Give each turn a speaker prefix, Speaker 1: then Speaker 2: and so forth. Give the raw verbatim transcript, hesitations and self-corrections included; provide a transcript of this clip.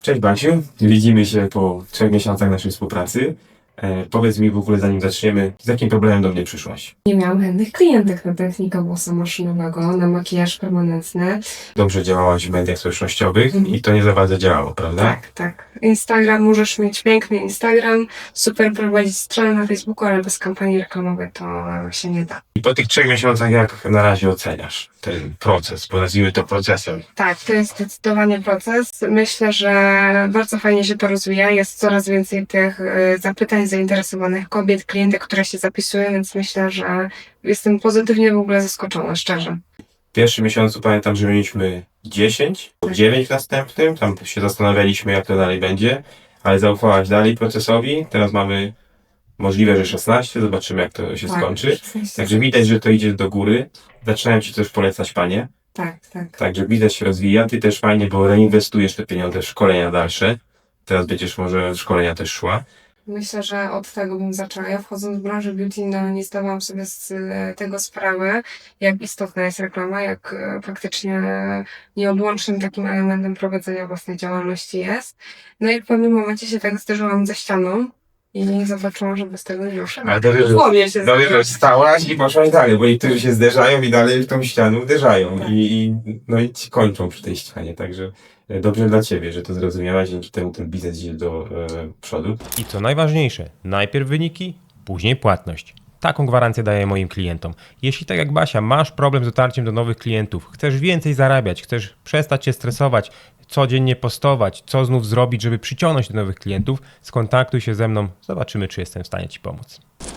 Speaker 1: Cześć Basiu, widzimy się po trzech miesiącach naszej współpracy. E, powiedz mi w ogóle, zanim zaczniemy, z jakim problemem do mnie przyszłaś?
Speaker 2: Nie miałam chętnych klientek na technika włosa maszynowego, na makijaż permanentny.
Speaker 1: Dobrze działałaś w mediach społecznościowych
Speaker 2: Mhm.
Speaker 1: i to nie za bardzo działało, prawda?
Speaker 2: Tak, tak. Instagram, możesz mieć piękny Instagram, super prowadzić stronę na Facebooku, ale bez kampanii reklamowej to się nie da.
Speaker 1: I po tych trzech miesiącach jak na razie oceniasz ten proces, bo nazwijmy to procesem?
Speaker 2: Tak, to jest zdecydowanie proces. Myślę, że bardzo fajnie się to rozwija. Jest coraz więcej tych y, zapytań zainteresowanych kobiet, klientek, które się zapisują, więc myślę, że jestem pozytywnie w ogóle zaskoczona, szczerze.
Speaker 1: W pierwszym miesiącu pamiętam, że mieliśmy dziesięć,
Speaker 2: Tak.
Speaker 1: dziewięć w następnym, tam się zastanawialiśmy jak to dalej będzie, ale zaufałaś dalej procesowi, teraz mamy możliwe, że szesnaście, zobaczymy jak to się
Speaker 2: Tak,
Speaker 1: skończy.
Speaker 2: szesnaście.
Speaker 1: Także widać, że to idzie do góry, zaczynają Ci też polecać panie.
Speaker 2: Tak, tak.
Speaker 1: Także biznes się rozwija, ty też fajnie, bo reinwestujesz te pieniądze w szkolenia dalsze. Teraz będziesz może w szkolenia też szła.
Speaker 2: Myślę, że od tego bym zaczęła. Ja wchodząc w branżę beauty, no nie zdawałam sobie z e, tego sprawy, jak istotna jest reklama, jak e, faktycznie nieodłącznym takim elementem prowadzenia własnej działalności jest. No i w pewnym momencie się tak zderzyłam ze ścianą i zobaczyłam, że bez tego nie ruszę.
Speaker 1: Ale dobrze, że,
Speaker 2: Głowie się
Speaker 1: dobrze, że
Speaker 2: zderzyłam.
Speaker 1: stałaś i poszłaś dalej, bo niektórzy się zderzają i dalej w tą ścianę uderzają.
Speaker 2: Tak.
Speaker 1: I, i, no i ci kończą przy tej ścianie, także e, dobrze dla ciebie, że to zrozumiałaś, dzięki temu ten biznes idzie do e, przodu.
Speaker 3: I co najważniejsze, najpierw wyniki, później płatność. Taką gwarancję daję moim klientom. Jeśli tak jak Basia masz problem z dotarciem do nowych klientów, chcesz więcej zarabiać, chcesz przestać się stresować, codziennie postować, co znów zrobić, żeby przyciągnąć do nowych klientów, skontaktuj się ze mną, zobaczymy, czy jestem w stanie Ci pomóc.